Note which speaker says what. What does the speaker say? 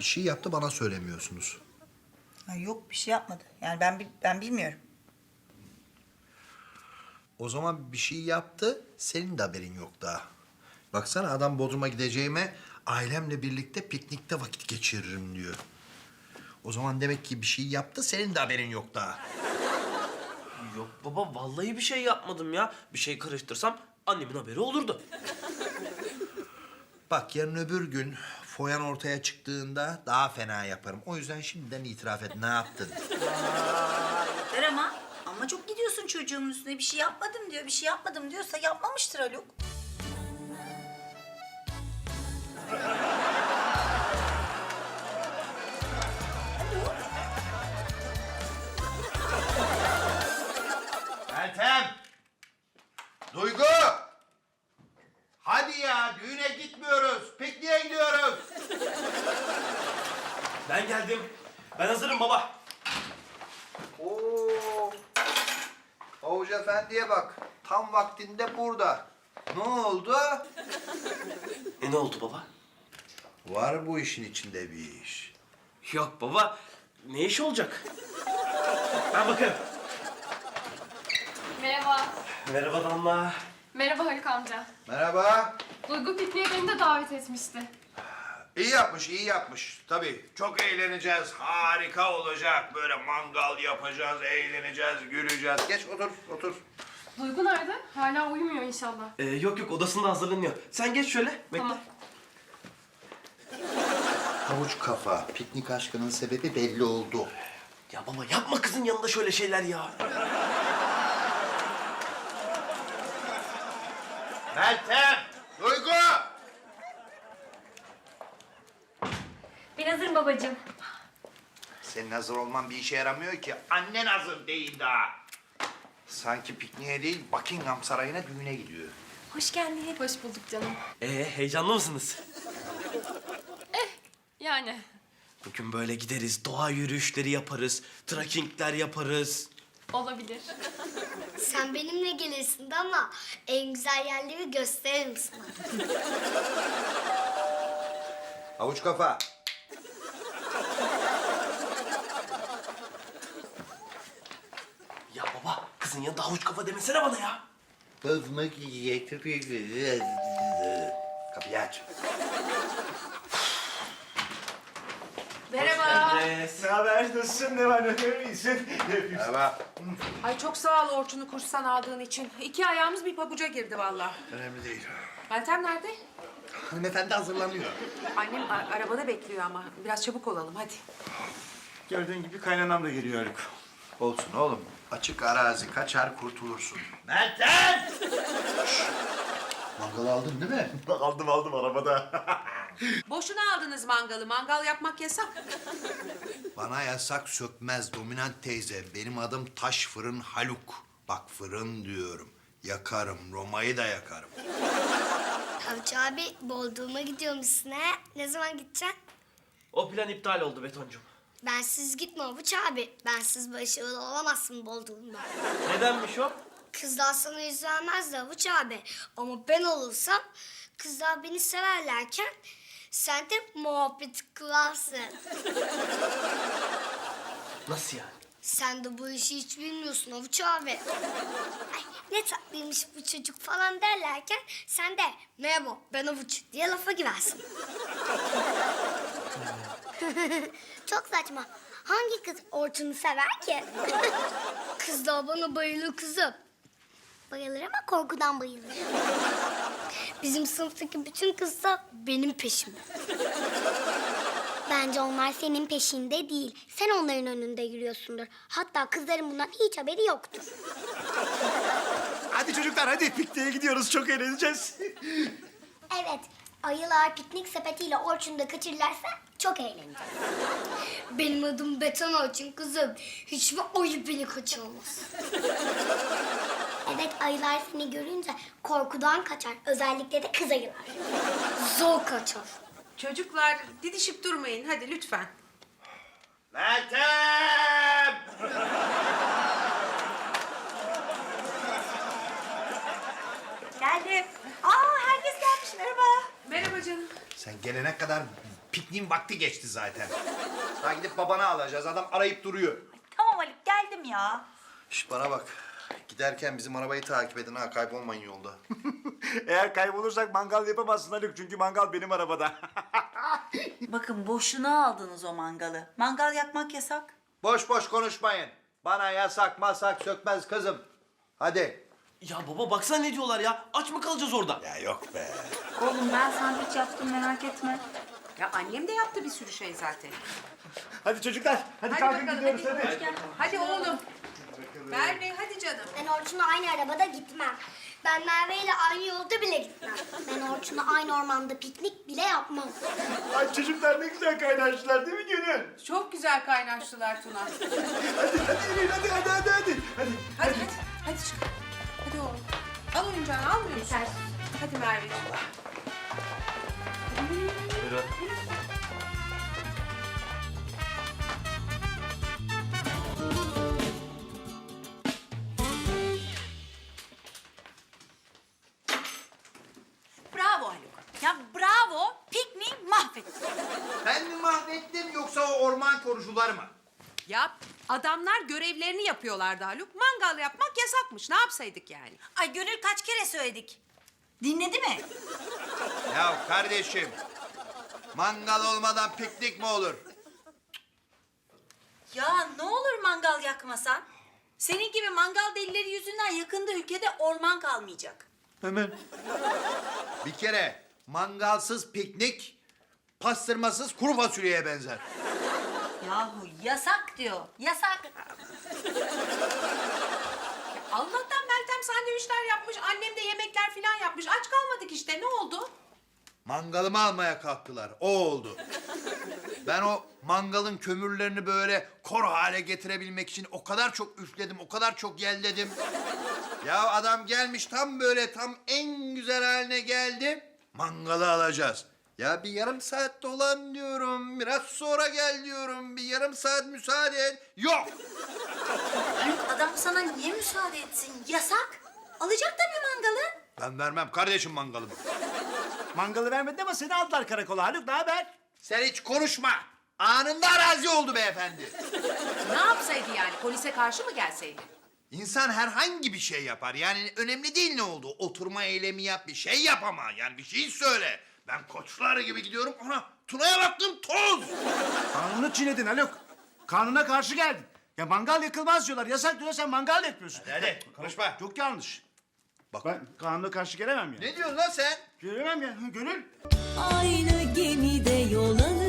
Speaker 1: Bir şey yaptı bana söylemiyorsunuz.
Speaker 2: Ha, yok bir şey yapmadı. Yani ben bilmiyorum.
Speaker 1: O zaman bir şey yaptı, senin de haberin yok daha. Baksana adam Bodrum'a gideceğime ailemle birlikte piknikte vakit geçiririm diyor. O zaman demek ki bir şey yaptı, senin de haberin yok daha.
Speaker 3: Yok baba vallahi bir şey yapmadım ya. Bir şey karıştırsam annemin haberi olurdu.
Speaker 1: Bak yarın öbür gün foyan ortaya çıktığında daha fena yaparım. O yüzden şimdiden itiraf et, ne yaptın?
Speaker 2: Yeter ama. Ama çok gidiyorsun çocuğumun üstüne. Bir şey yapmadım diyor. Bir şey yapmadım diyorsa yapmamıştır Haluk.
Speaker 1: Meltem! Duygu! Hadi ya, düğüne gitmiyoruz, pikniğe gidiyoruz.
Speaker 3: Ben geldim. Ben hazırım baba.
Speaker 1: Oo! Havuç Efendi'ye bak, tam vaktinde burada. Ne oldu?
Speaker 3: Ne oldu baba?
Speaker 1: Var bu işin içinde bir iş.
Speaker 3: Yok baba. Ne iş olacak? Ben bakarım.
Speaker 4: Merhaba.
Speaker 3: Merhaba Damla.
Speaker 4: Merhaba Haluk amca.
Speaker 1: Merhaba.
Speaker 4: Duygu pikniğe beni de davet etmişti.
Speaker 1: İyi yapmış, iyi yapmış. Tabii çok eğleneceğiz, harika olacak. Böyle mangal yapacağız, eğleneceğiz, güleceğiz. Geç otur, otur.
Speaker 4: Duygu nerede? Hala uyumuyor inşallah.
Speaker 3: Yok odasında hazırlanıyor. Sen geç şöyle. Bekle.
Speaker 4: Tamam.
Speaker 1: Havuç kafa, piknik aşkının sebebi belli oldu.
Speaker 3: Ya baba yapma kızın yanında şöyle şeyler ya.
Speaker 1: Meltem, Duygu!
Speaker 4: Ben hazırım babacığım.
Speaker 1: Senin hazır olman bir işe yaramıyor ki. Annen hazır değil daha. Sanki pikniğe değil, Buckingham Sarayı'na düğüne gidiyor.
Speaker 4: Hoş geldin. Hoş bulduk canım.
Speaker 3: Heyecanlı mısınız?
Speaker 4: Yani.
Speaker 3: Bugün böyle gideriz, doğa yürüyüşleri yaparız, trekkingler yaparız.
Speaker 4: Olabilir.
Speaker 5: Sen benimle gelirsin de ama en güzel yerleri gösteririm sana.
Speaker 1: Havuç kafa.
Speaker 3: Ya baba kızın yanında havuç kafa demesene bana ya.
Speaker 1: Kızmak getiriyor. Kapıyı aç.
Speaker 3: Merhaba.
Speaker 6: Ne haber? Nasılsın? Ne var? Ne iyisin? Ne yapıyorsun?
Speaker 1: Merhaba.
Speaker 7: Ay çok sağ ol Orçun'u kurstan aldığın için. 2 ayağımız bir pabuca girdi vallahi.
Speaker 1: Önemli değil.
Speaker 7: Meltem nerede?
Speaker 1: Hanımefendi hazırlanıyor.
Speaker 7: Annem arabada bekliyor ama. Biraz çabuk olalım hadi.
Speaker 6: Gördüğün gibi kaynanam da geliyor Haluk.
Speaker 1: Olsun oğlum. Açık arazi kaçar kurtulursun. Meltem! Mangal aldın değil mi?
Speaker 6: Aldım arabada.
Speaker 7: Boşuna aldınız mangalı. Mangal yapmak yasak.
Speaker 1: Bana yasak sökmez dominant teyze. Benim adım Taş Fırın Haluk. Bak fırın diyorum. Yakarım, Roma'yı da yakarım.
Speaker 5: Havuç abi Bodrum'a gidiyormuşsun ha? Ne zaman gideceksin?
Speaker 3: O plan iptal oldu Betoncum.
Speaker 5: Bensiz gitme Havuç abi. Bensiz başarılı olamazsın Bodrum'da.
Speaker 3: Nedenmiş o?
Speaker 5: Kızlar sana yüz vermez de Havuç abi. Ama ben olursam kızlar beni severlerken sen de muhabbet kurarsın.
Speaker 3: Nasıl yani?
Speaker 5: Sen de bu işi hiç bilmiyorsun Havuç abi. Ay, ne tatlıymış bu çocuk falan derlerken sen de merhaba ben Havuç diye lafa girersin. Çok saçma. Hangi kız Orçun'u sever ki? Kız da bana bayılır kızım. Bayılır ama korkudan bayılır. Bizim sınıftaki bütün kızlar benim peşimde. Bence onlar senin peşinde değil. Sen onların önünde yürüyorsundur. Hatta kızların bundan hiç haberi yoktur.
Speaker 6: Hadi çocuklar hadi pikniğe gidiyoruz. Çok eğleneceğiz.
Speaker 5: Evet, ayılar piknik sepetiyle Orçun'u da kaçırırlarsa çok eğleneceğiz. Benim adım Beton Orçun kızım. Hiçbir ayı beni kaçırmaz. Evet, ayılar seni görünce korkudan kaçar. Özellikle de kız ayılar. Zor kaçar.
Speaker 7: Çocuklar didişip durmayın hadi lütfen.
Speaker 1: Meltem!
Speaker 2: Geldim. Aa herkes gelmiş. Merhaba.
Speaker 7: Merhaba canım.
Speaker 1: Sen gelene kadar Pikniğin vakti geçti zaten. Daha gidip babana alacağız. Adam arayıp duruyor.
Speaker 2: Tamam Haluk geldim ya.
Speaker 1: Şş bana bak. Giderken bizim arabayı takip edin ha. Kaybolmayın yolda.
Speaker 6: Eğer kaybolursak mangal yapamazsın Haluk çünkü mangal benim arabada.
Speaker 2: Bakın boşuna aldınız o mangalı. Mangal yakmak yasak.
Speaker 1: Boş boş konuşmayın. Bana yasak masak sökmez kızım. Hadi.
Speaker 3: Ya baba baksana ne diyorlar ya. Aç mı kalacağız orada?
Speaker 1: Ya yok be.
Speaker 2: Oğlum ben sandviç yaptım merak etme.
Speaker 7: Ya annem de yaptı bir sürü şey zaten.
Speaker 6: Hadi çocuklar, hadi
Speaker 7: Hadi
Speaker 6: kalkın
Speaker 7: bakalım
Speaker 6: gidiyoruz
Speaker 7: hadi.
Speaker 6: hadi.
Speaker 7: Hadi oğlum. Merve hadi canım.
Speaker 5: Ben Orçun'la aynı arabada gitmem. Ben Merve ile aynı yolda bile gitmem. Ben Orçun'la aynı ormanda piknik bile yapmam.
Speaker 6: Ay çocuklar ne güzel kaynaştılar değil mi Gönül?
Speaker 7: Çok güzel kaynaştılar Tuna.
Speaker 6: Hadi yürüyün hadi.
Speaker 7: Hadi çık. Hadi oğlum. Al oyuncağını almıyor musun? Hadi Merveciğim.
Speaker 3: Buyurun.
Speaker 2: Bravo Haluk. Ya bravo. Pikniği mahvettin.
Speaker 1: Ben mi mahvettim yoksa o orman korucular mı?
Speaker 7: Ya adamlar görevlerini yapıyorlardı Haluk. Mangal yapmak yasakmış. Ne yapsaydık yani?
Speaker 2: Ay Gönül kaç kere söyledik. Dinledi mi?
Speaker 1: Ya kardeşim. Mangal olmadan piknik mi olur?
Speaker 2: Ya ne olur mangal yakmasan. Senin gibi mangal delileri yüzünden yakında ülkede orman kalmayacak.
Speaker 6: Hemen.
Speaker 1: Bir kere mangalsız piknik pastırmasız kuru fasulyeye benzer.
Speaker 2: Yahu yasak diyor. Yasak.
Speaker 7: Allah'tan Meltem sandviçler yapmış. Annem de yemekler falan yapmış. Aç kalmadık işte. Ne oldu?
Speaker 1: Mangalımı almaya kalktılar. O oldu. Ben o mangalın kömürlerini böyle kor hale getirebilmek için o kadar çok üfledim, o kadar çok yelledim. Ya adam gelmiş tam böyle tam en güzel haline geldi. Mangalı alacağız. Ya bir yarım saat dolan diyorum, biraz sonra gel diyorum, bir yarım saat müsaade et. Yok!
Speaker 2: Adam sana niye müsaade etsin? Yasak. Alacak tabii mangalı.
Speaker 1: Ben vermem kardeşim mangalımı.
Speaker 6: Mangalı vermedin ama seni aldılar karakola Haluk ne haber?
Speaker 1: Sen hiç konuşma. Anında arazi oldu beyefendi.
Speaker 7: Ne yapsaydı yani? Polise karşı mı gelseydi?
Speaker 1: İnsan herhangi bir şey yapar. Yani önemli değil ne oldu. Oturma eylemi yap, bir şey yap ama. Yani bir şey söyle. Ben koçlar gibi gidiyorum. Ana Tuna'ya baktım toz.
Speaker 6: Kanunu çiğnedin Haluk. Kanuna karşı geldin. Ya mangal yakılmaz diyorlar. Yasak diyorlar sen mangal yapıyorsun.
Speaker 1: Hadi konuşma.
Speaker 6: Çok yanlış.
Speaker 1: Bak.
Speaker 6: Ben kanuna karşı gelemem ya.
Speaker 1: Ne diyorsun lan sen?
Speaker 6: Gelemem ya. Gönül.
Speaker 8: Aynı gemide yol alır.